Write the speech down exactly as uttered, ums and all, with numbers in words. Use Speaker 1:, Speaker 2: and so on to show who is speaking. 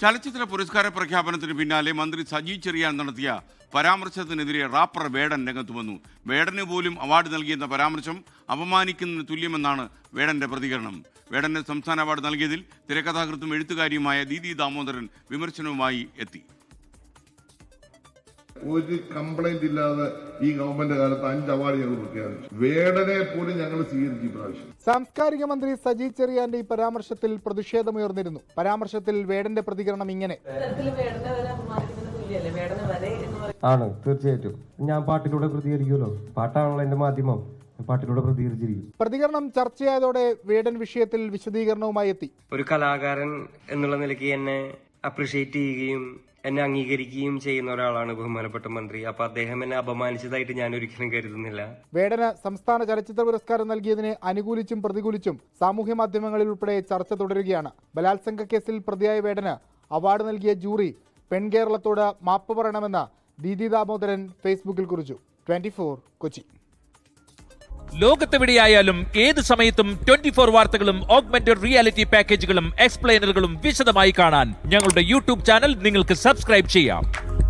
Speaker 1: ചലച്ചിത്ര പുരസ്കാര പ്രഖ്യാപനത്തിന് പിന്നാലെ മന്ത്രി സജി ചെറിയാൻ നടത്തിയ പരാമർശത്തിനെതിരെ റാപ്പർ വേടൻ രംഗത്ത് വന്നു. വേടന് പോലും അവാർഡ് നൽകിയെന്ന പരാമർശം അപമാനിക്കുന്നതിന് തുല്യമെന്നാണ് വേടന്റെ പ്രതികരണം. വേടന് സംസ്ഥാന അവാർഡ് നൽകിയതിൽ തിരക്കഥാകൃത്തും എഴുത്തുകാരിയുമായ ദീദി ദാമോദരൻ വിമർശനവുമായി എത്തി.
Speaker 2: ഒരു കംപ്ലൈന്റ് ഇല്ലാതെ ഈ ഗവൺമെന്റ് കാലത്ത് അഞ്ച് അവാർഡ് ഞങ്ങൾ പ്രഖ്യാപിച്ചു. വേടനെ പോലും ഞങ്ങൾ സ്വീകരിച്ചു. പ്രാവശ്യം
Speaker 3: സാംസ്കാരിക മന്ത്രി സജി ചെറിയാന്റെ ഈ പരാമർശത്തിൽ പ്രതിഷേധമുയർന്നിരുന്നു. പരാമർശത്തിൽ വേടന്റെ പ്രതികരണം ഇങ്ങനെ:
Speaker 4: ആണ്, തീർച്ചയായിട്ടും ഞാൻ പാട്ടിലൂടെ പ്രതികരിക്കുമല്ലോ. പാട്ടാണല്ലോ എന്റെ മാധ്യമം, പാട്ടിലൂടെ പ്രതികരിച്ചിരിക്കും.
Speaker 3: പ്രതികരണം ചർച്ചയായതോടെ വേടൻ വിഷയത്തിൽ വിശദീകരണവുമായി എത്തി.
Speaker 5: ഒരു കലാകാരൻ എന്നുള്ള നിലയ്ക്ക് എന്നെ അപ്രിഷിയേറ്റ് ചെയ്യുകയും എന്നെ അംഗീകരിക്കുകയും ചെയ്യുന്ന ഒരാളാണ് ബഹുമാനപ്പെട്ട മന്ത്രി. അപ്പൊ അദ്ദേഹം എന്നെ അപമാനിച്ചതായിട്ട് ഞാൻ ഒരിക്കലും കരുതുന്നില്ല.
Speaker 3: വേടന് സംസ്ഥാന ചലച്ചിത്ര പുരസ്കാരം നൽകിയതിനെ അനുകൂലിച്ചും പ്രതികൂലിച്ചും സാമൂഹ്യ മാധ്യമങ്ങളിൽ ഉൾപ്പെടെ ചർച്ച തുടരുകയാണ്. ബലാത്സംഗ കേസിൽ പ്രതിയായ വേടന് അവാർഡ് നൽകിയ ജൂറി പെൺകേരളത്തോട് മാപ്പ് പറയണമെന്ന് ദീദി ദാമോദരൻ ഫേസ്ബുക്കിൽ കുറിച്ചു. Twenty four Kochi.
Speaker 6: ലോകത്തെവിടെയായാലും ഏത് സമയത്തും ട്വന്റി ഫോർ വാർത്തകളും ഓഗ്മെന്റഡ് റിയാലിറ്റി പാക്കേജുകളും എക്സ്പ്ലെയിനറുകളും വിശദമായി കാണാൻ ഞങ്ങളുടെ യൂട്യൂബ് ചാനൽ നിങ്ങൾക്ക് സബ്സ്ക്രൈബ് ചെയ്യാം.